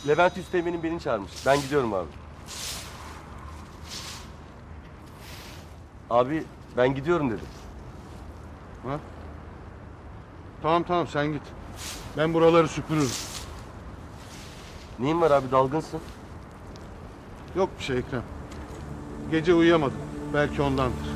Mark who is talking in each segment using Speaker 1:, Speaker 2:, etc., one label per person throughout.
Speaker 1: Levent Üsteğmen'in beni çağırmış. Ben gidiyorum abi. Abi ben gidiyorum dedim.
Speaker 2: Ha? Tamam sen git. Ben buraları süpürürüm.
Speaker 1: Neyin var abi, dalgınsın?
Speaker 2: Yok bir şey Ekrem. Gece uyuyamadım. Belki ondandır.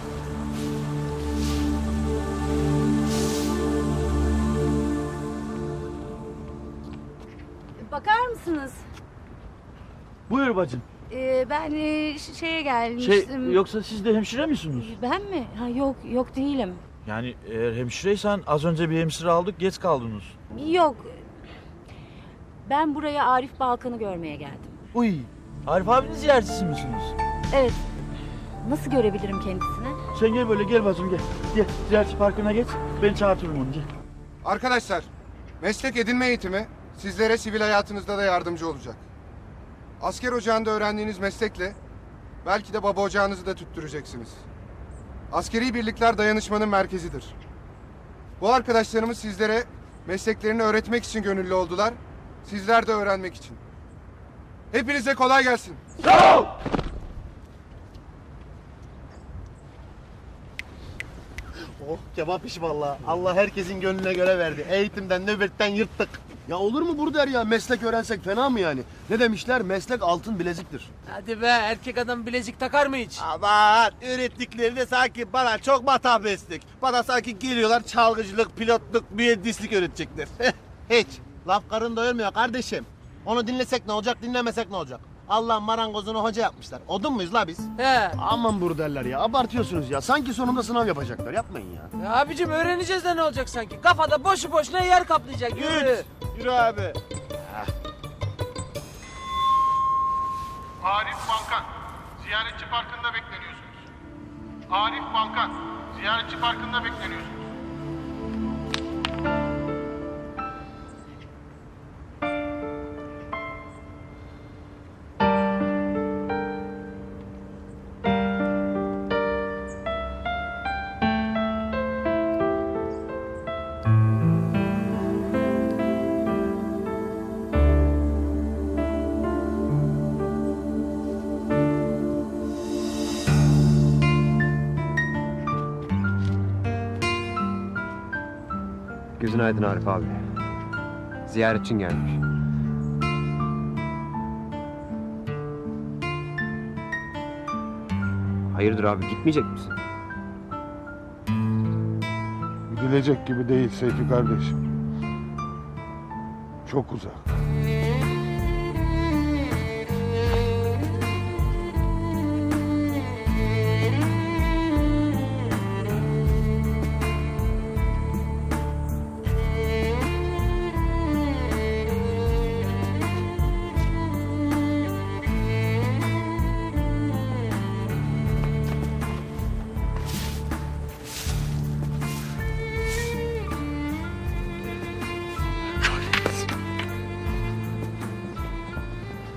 Speaker 3: Bakar mısınız?
Speaker 4: Buyur bacım.
Speaker 3: Ben şeye gelmiştim.
Speaker 4: Yoksa siz de hemşire misiniz?
Speaker 3: Ben mi? Ha, yok değilim.
Speaker 4: Yani eğer hemşireysen az önce bir hemşire aldık, geç kaldınız.
Speaker 3: Yok. Ben buraya Arif Balkan'ı görmeye geldim.
Speaker 4: Uy, Arif abinin ziyaretçisi misiniz?
Speaker 3: Evet. Nasıl görebilirim kendisini?
Speaker 4: Sen gel böyle, gel bacım gel. Gel, ziyaretçi parkına geç, ben çağırtırım onu, gel.
Speaker 5: Arkadaşlar, meslek edinme eğitimi sizlere sivil hayatınızda da yardımcı olacak. Asker ocağında öğrendiğiniz meslekle belki de baba ocağınızı da tüttüreceksiniz. Askeri birlikler dayanışmanın merkezidir. Bu arkadaşlarımız sizlere mesleklerini öğretmek için gönüllü oldular. Sizler de öğrenmek için. Hepinize kolay gelsin.
Speaker 4: Sağ ol!
Speaker 6: Oh kebap işi vallahi. Allah herkesin gönlüne göre verdi. Eğitimden, nöbetten yırttık. Ya olur mu Burder ya? Meslek öğrensek fena mı yani? Ne demişler? Meslek altın bileziktir.
Speaker 7: Hadi be, erkek adam bilezik takar mı hiç?
Speaker 6: Aman öğrettikleri de sanki bana çok matah meslek. Bana sanki geliyorlar çalgıcılık, pilotluk, mühendislik öğretecekler. Hiç. Laf karın doyurmuyor kardeşim. Onu dinlesek ne olacak, dinlemesek ne olacak? Allah'ın marangozunu hoca yapmışlar. Odun muyuz la biz?
Speaker 7: He.
Speaker 6: Aman Burderler ya, abartıyorsunuz ya. Sanki sonunda sınav yapacaklar. Yapmayın ya.
Speaker 7: Ya abicim öğreneceğiz de ne olacak sanki? Kafada boşu boşuna yer kaplayacak. Yürü.
Speaker 6: Yürü abi.
Speaker 8: Arif Balkan, ziyaretçi parkında bekleniyorsunuz. Arif Balkan, ziyaretçi parkında bekleniyorsunuz.
Speaker 9: Gözün aydın Arif abi. Ziyaretçin gelmiş. Hayırdır abi, gitmeyecek misin?
Speaker 2: Gidilecek gibi değil Seyfi kardeşim. Çok uzak.